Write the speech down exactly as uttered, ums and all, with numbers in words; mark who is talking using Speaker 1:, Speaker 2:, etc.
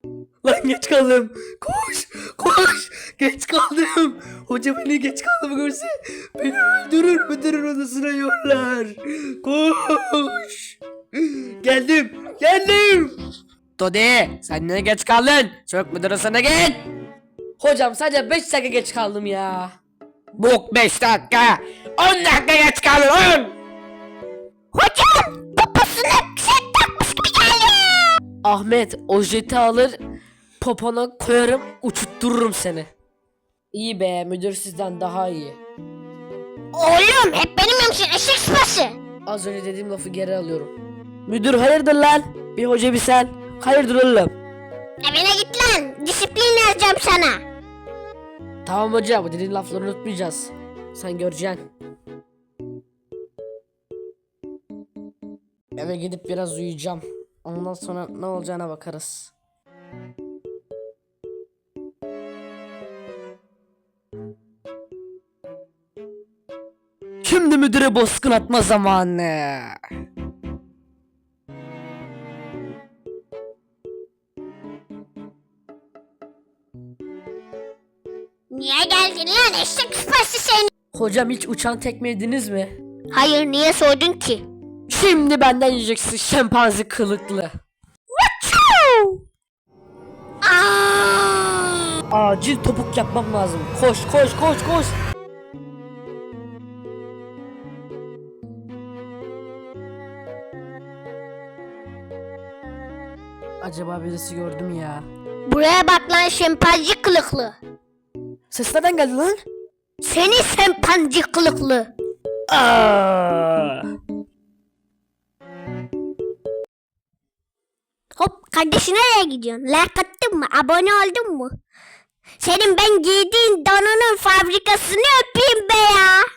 Speaker 1: Lan geç kaldım. Koş koş. Geç kaldım. Hoca beni geç kaldım görse beni öldürür müdürün odasına yollar. Koş. Geldim. Geldim.
Speaker 2: Todi sen niye geç kaldın? Çabuk müdür odasına git.
Speaker 1: Hocam sadece beş dakika geç kaldım ya.
Speaker 2: Bok beş dakika. on dakika geç kaldın on.
Speaker 3: Hocam poposuna set takmış gibi geldi.
Speaker 1: Ahmet o jeti alır popona koyarım uçuttururum seni. İyi be, müdür sizden daha iyi.
Speaker 3: Oğlum hep benim yemişsin eşek sıpası.
Speaker 1: Az önce dediğim lafı geri alıyorum. Müdür hayırdır lan? Bir hoca bir sen. Hayırdır oğlum?
Speaker 3: Evine git lan, disiplin yazacağım sana.
Speaker 1: Tamam hoca, bu dediğin lafları unutmayacağız. Sen göreceksin. Eve gidip biraz uyuyacağım. Ondan sonra ne olacağına bakarız. Şimdi müdüre bozkır atma zamanı.
Speaker 3: Niye geldin lan eşek sıpası seni?
Speaker 1: Hocam hiç uçan tekme yediniz mi?
Speaker 3: Hayır, niye sordun ki?
Speaker 1: Şimdi benden yiyeceksin şempanze kılıklı.
Speaker 3: Aa!
Speaker 1: Acil topuk yapmam lazım. Koş koş koş koş. Acaba birisi gördü mü ya?
Speaker 3: Buraya bak lan şempanze kılıklı.
Speaker 1: Ses nereden geldi lan?
Speaker 3: Seni şempanze kılıklı.
Speaker 1: Aa!
Speaker 3: Hop kardeşim, nereye gidiyorsun? Like attın mı? Abone oldun mu? Senin ben giydiğin donunun fabrikasını öpeyim be ya.